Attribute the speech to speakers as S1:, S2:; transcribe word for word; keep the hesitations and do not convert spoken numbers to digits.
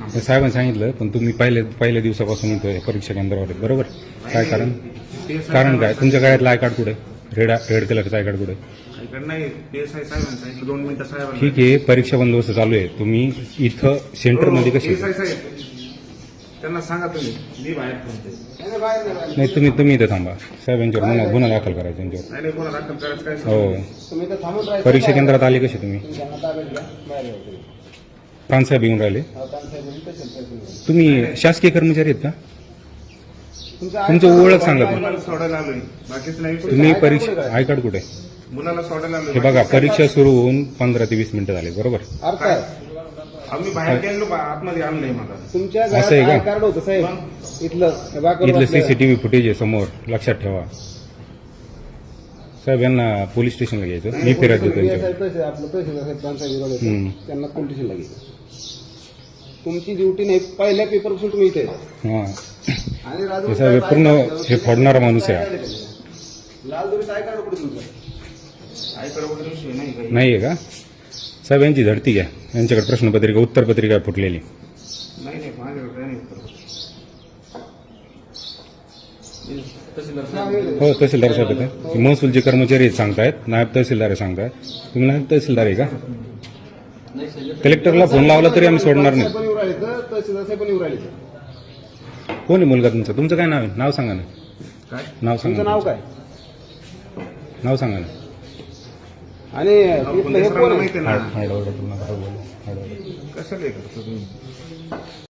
S1: हे साहेबांनी सांगितलं, पण तुम्ही पहिल्या पहिल्या दिवसापासून इथं परीक्षा केंद्रावर आहेत, बरोबर? काय कारण कारण काय तुमच्या गळ्यातलं आय कार्ड कुठे? रेड रेड कलरचं आय कार्ड कुठे?
S2: नाही पीएसआय साहेबांनी सांगितलं दोन मिनिटं साहेबांना.
S1: ठीक आहे, परीक्षा बंदोबस्त चालू आहे, तुम्ही इथं सेंटरमध्ये कसे?
S2: पीएसआय साहेब त्यांना सांगा तुम्ही, मी बाहेर थांबते.
S1: नाही, तुम्ही तुम्ही इथं थांबा. साहेबांच्यावर गुन्हा गुन्हा दाखल करायचा त्यांच्यावर.
S2: नाही नाही कोणा दाखल करायचं काय
S1: हो, परीक्षा केंद्रात आले कसे तुम्ही? प्रांतसाहेब येऊन राहिले. तुम्ही शासकीय कर्मचारी आहेत का? तुमचं ओळख सांगा.
S2: मुलाला सोडायला आलोय, बाकीच नाही.
S1: तुम्ही परीक्षा आय कार्ड कुठे?
S2: मुलाला सोडायला आलोय.
S1: हे बघा, परीक्षा सुरू होऊन पंधरा ते वीस मिनिटं झाले, बरोबर?
S2: आम्ही बाहेर गेलो, आतमध्ये आणलंय मला.
S3: तुमच्या
S1: असं आहे का?
S3: कार्ड होतं साहेब इथलं
S1: इथलं सीसीटीव्ही फुटेज आहे समोर, लक्षात ठेवा. साहेब यांना पोलीस स्टेशनला घ्यायचं, मी फिरत देतो त्यांच्यावर.
S3: आपलं तहसीलदार साहेब प्रांतसाहेब
S1: हम्म.
S3: त्यांना पोलीस स्टेशनला घ्यायचं. तुमची ड्युटी नाही, पहिल्या पेपरपासून तुम्ही इथे आहे.
S1: हां,
S3: आणि
S1: हे
S3: राजू
S1: साहेब पूर्ण हे फोडणारा माणूस आहे.
S3: लाल दोरी काय कार्ड कुठे तुमचं?
S2: आईकडे वगैरे विषय नाही काही.
S1: नाही आहे का? साहेब यांची धडती घ्या, यांच्याकडे प्रश्नपत्रिका उत्तरपत्रिका फुटलेली.
S2: नाही नाही माझ्याकडे काही नाही. तहसीलदार साहेब
S1: हो, तहसीलदार साहेब आहेत. महसूलचे कर्मचारी आहेत सांगतायत, नायब तहसीलदार आहे सांगतायत. तुम्ही नायब तहसीलदार आहे का? कलेक्टरला फोन लावला तरी आम्ही सोडणार नाही.
S3: पण येऊ राहिले तर तहसीलदार साहेब पण येऊ राहिले.
S1: कोण आहे मुलगा तुमचा? तुमचं काय नाव आहे? नाव सांगा ना.
S2: काय
S1: नाव
S3: तुमचं
S1: सांगा.
S3: नाव काय?
S1: नाव सांगा ना.
S3: आणि इथलं हे कोण आहे?
S2: माहिती आहे ना
S1: हाड- हाड- हाड- हाड- हाड- हाड- हाड-
S2: कशाला हे करतो तुम्ही?